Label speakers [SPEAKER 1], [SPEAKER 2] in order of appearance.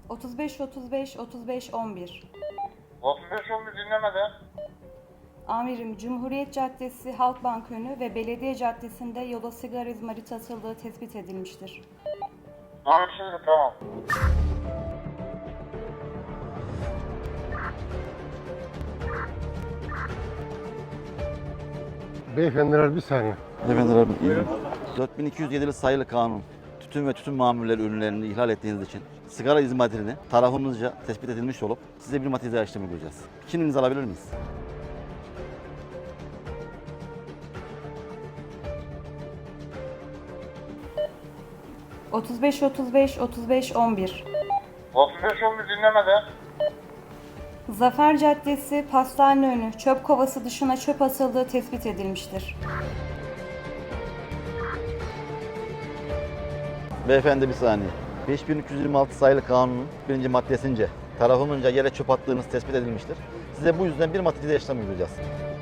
[SPEAKER 1] 35 35 35 11.
[SPEAKER 2] 35 11 dinlemede.
[SPEAKER 1] Amirim, Cumhuriyet Caddesi, Halkbank önü ve Belediye Caddesi'nde yola sigara izmariti atıldığı tespit edilmiştir.
[SPEAKER 2] Anlaşıldı, tamam.
[SPEAKER 3] Beyefendiler bir saniye.
[SPEAKER 4] Efendim, 4207 sayılı kanun, tütün ve tütün mamulleri ürünlerini ihlal ettiğiniz için sigara izmaritini tarafımızca tespit edilmiş olup size bir matize işlemi göreceğiz. Kimliğinizi alabilir miyiz?
[SPEAKER 1] Otuz beş 35 35 11.
[SPEAKER 2] 35 11 dinlemede.
[SPEAKER 1] Zafer Caddesi, Pastane önü, çöp kovası dışına çöp atıldığı tespit edilmiştir.
[SPEAKER 4] Beyefendi bir saniye. 5326 sayılı kanunun birinci maddesince tarafımızca yere çöp attığınız tespit edilmiştir. Size bu yüzden bir matize işlemi göreceğiz.